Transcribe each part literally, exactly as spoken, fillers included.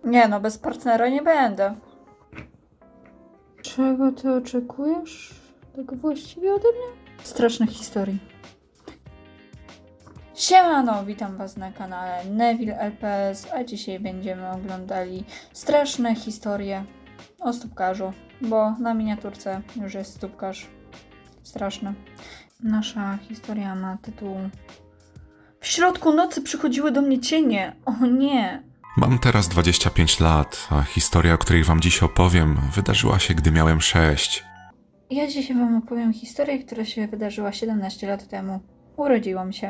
Nie no, bez partnera nie będę. Czego ty oczekujesz? Tak właściwie ode mnie? Strasznych historii. Siemano, witam was na kanale Neville L P S, a dzisiaj będziemy oglądali straszne historie o stópkarzu, bo na miniaturce już jest stópkarz. Straszny. Nasza historia ma tytuł W środku nocy przychodziły do mnie cienie. O nie! Mam teraz dwadzieścia pięć lat, a historia, o której wam dziś opowiem, wydarzyła się, gdy miałem sześć. Ja dzisiaj wam opowiem historię, która się wydarzyła siedemnaście lat temu. Urodziłam się.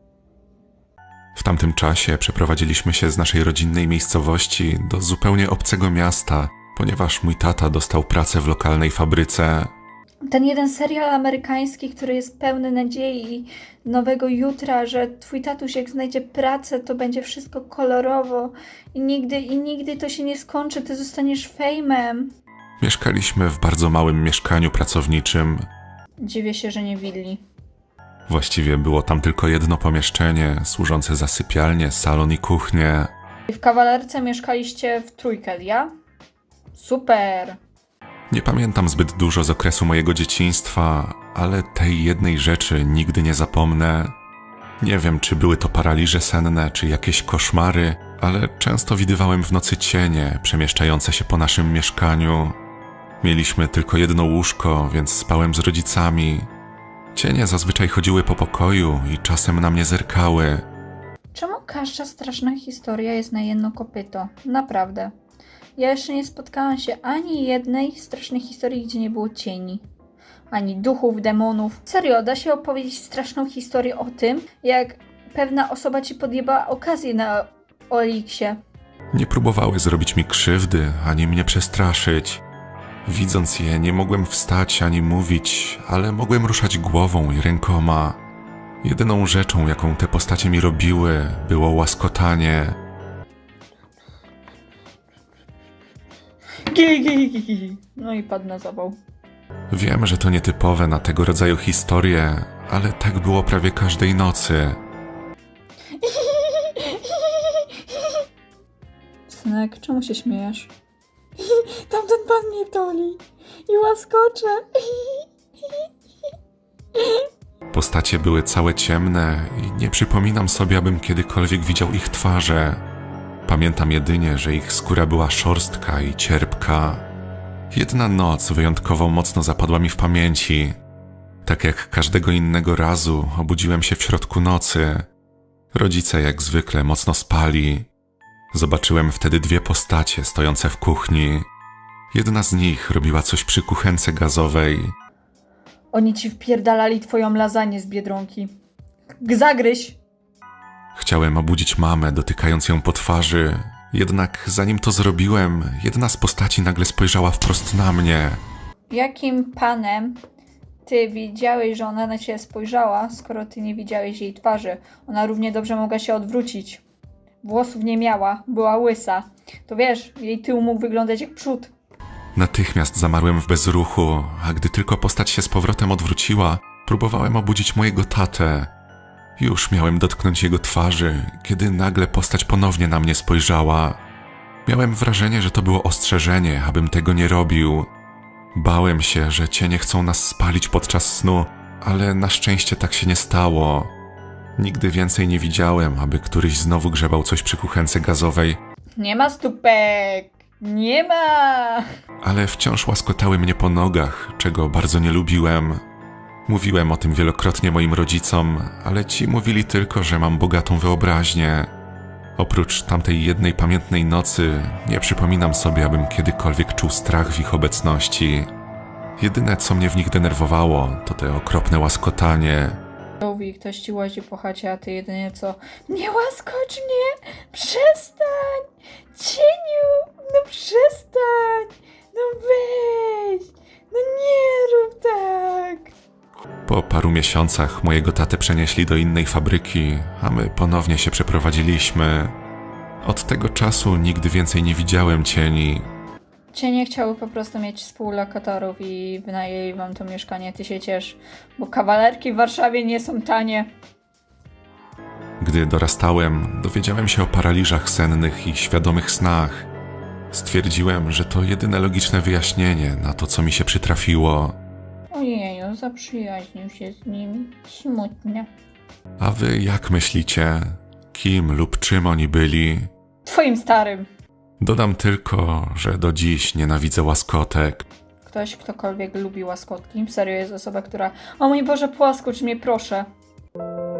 W tamtym czasie przeprowadziliśmy się z naszej rodzinnej miejscowości do zupełnie obcego miasta, ponieważ mój tata dostał pracę w lokalnej fabryce. Ten jeden serial amerykański, który jest pełny nadziei i nowego jutra, że twój tatuś jak znajdzie pracę, to będzie wszystko kolorowo i nigdy, i nigdy to się nie skończy, ty zostaniesz fejmem. Mieszkaliśmy w bardzo małym mieszkaniu pracowniczym. Dziwię się, że nie willi. Właściwie było tam tylko jedno pomieszczenie, służące za sypialnię, salon i kuchnię. I w kawalerce mieszkaliście w trójkę, ja? Super! Nie pamiętam zbyt dużo z okresu mojego dzieciństwa, ale tej jednej rzeczy nigdy nie zapomnę. Nie wiem, czy były to paraliże senne, czy jakieś koszmary, ale często widywałem w nocy cienie przemieszczające się po naszym mieszkaniu. Mieliśmy tylko jedno łóżko, więc spałem z rodzicami. Cienie zazwyczaj chodziły po pokoju i czasem na mnie zerkały. Czemu każda straszna historia jest na jedno kopyto? Naprawdę. Ja jeszcze nie spotkałam się ani jednej strasznej historii, gdzie nie było cieni. Ani duchów, demonów. Serio, da się opowiedzieć straszną historię o tym, jak pewna osoba ci podjebała okazję na Oliksie. Nie próbowały zrobić mi krzywdy, ani mnie przestraszyć. Widząc je, nie mogłem wstać ani mówić, ale mogłem ruszać głową i rękoma. Jedyną rzeczą, jaką te postacie mi robiły, było łaskotanie. Gi, gi, gi, gi. No i padł na zawał. Wiem, że to nietypowe na tego rodzaju historie, ale tak było prawie każdej nocy. Synek, czemu się śmiejesz? Tamten pan mnie toli i łaskocze. Postacie były całe ciemne i nie przypominam sobie, abym kiedykolwiek widział ich twarze. Pamiętam jedynie, że ich skóra była szorstka i cierpka. Jedna noc wyjątkowo mocno zapadła mi w pamięci. Tak jak każdego innego razu obudziłem się w środku nocy. Rodzice jak zwykle mocno spali. Zobaczyłem wtedy dwie postacie stojące w kuchni. Jedna z nich robiła coś przy kuchence gazowej. Oni ci wpierdalali twoją lasagne z Biedronki. Zagryź! Chciałem obudzić mamę, dotykając ją po twarzy. Jednak zanim to zrobiłem, jedna z postaci nagle spojrzała wprost na mnie. Jakim panem ty widziałeś, że ona na ciebie spojrzała, skoro ty nie widziałeś jej twarzy? Ona równie dobrze mogła się odwrócić. Włosów nie miała, była łysa. To wiesz, jej tył mógł wyglądać jak przód. Natychmiast zamarłem w bezruchu, a gdy tylko postać się z powrotem odwróciła, próbowałem obudzić mojego tatę. Już miałem dotknąć jego twarzy, kiedy nagle postać ponownie na mnie spojrzała. Miałem wrażenie, że to było ostrzeżenie, abym tego nie robił. Bałem się, że cienie chcą nas spalić podczas snu, ale na szczęście tak się nie stało. Nigdy więcej nie widziałem, aby któryś znowu grzebał coś przy kuchence gazowej, Nie ma stópek! Nie ma! ale wciąż łaskotały mnie po nogach, czego bardzo nie lubiłem. Mówiłem o tym wielokrotnie moim rodzicom, ale ci mówili tylko, że mam bogatą wyobraźnię. Oprócz tamtej jednej pamiętnej nocy, nie przypominam sobie, abym kiedykolwiek czuł strach w ich obecności. Jedyne, co mnie w nich denerwowało, to te okropne łaskotanie. Mówi, ktoś ci łazi po chacie, a ty jedynie co? Nie łaskocz mnie! Przestań! Cieniu! No przestań! No weź! No nie rób tak! Po paru miesiącach mojego tatę przenieśli do innej fabryki, a my ponownie się przeprowadziliśmy. Od tego czasu nigdy więcej nie widziałem cieni. Cienie chciały po prostu mieć współlokatorów i wynajęli wam to mieszkanie, ty się ciesz, bo kawalerki w Warszawie nie są tanie. Gdy dorastałem, dowiedziałem się o paraliżach sennych i świadomych snach. Stwierdziłem, że to jedyne logiczne wyjaśnienie na to, co mi się przytrafiło. Ojeju, zaprzyjaźnił się z nimi. Smutnie. A wy jak myślicie? Kim lub czym oni byli? Twoim starym. Dodam tylko, że do dziś nienawidzę łaskotek. Ktoś, ktokolwiek lubi łaskotki. Serio jest osoba, która... O mój Boże, płaskocz mnie, proszę.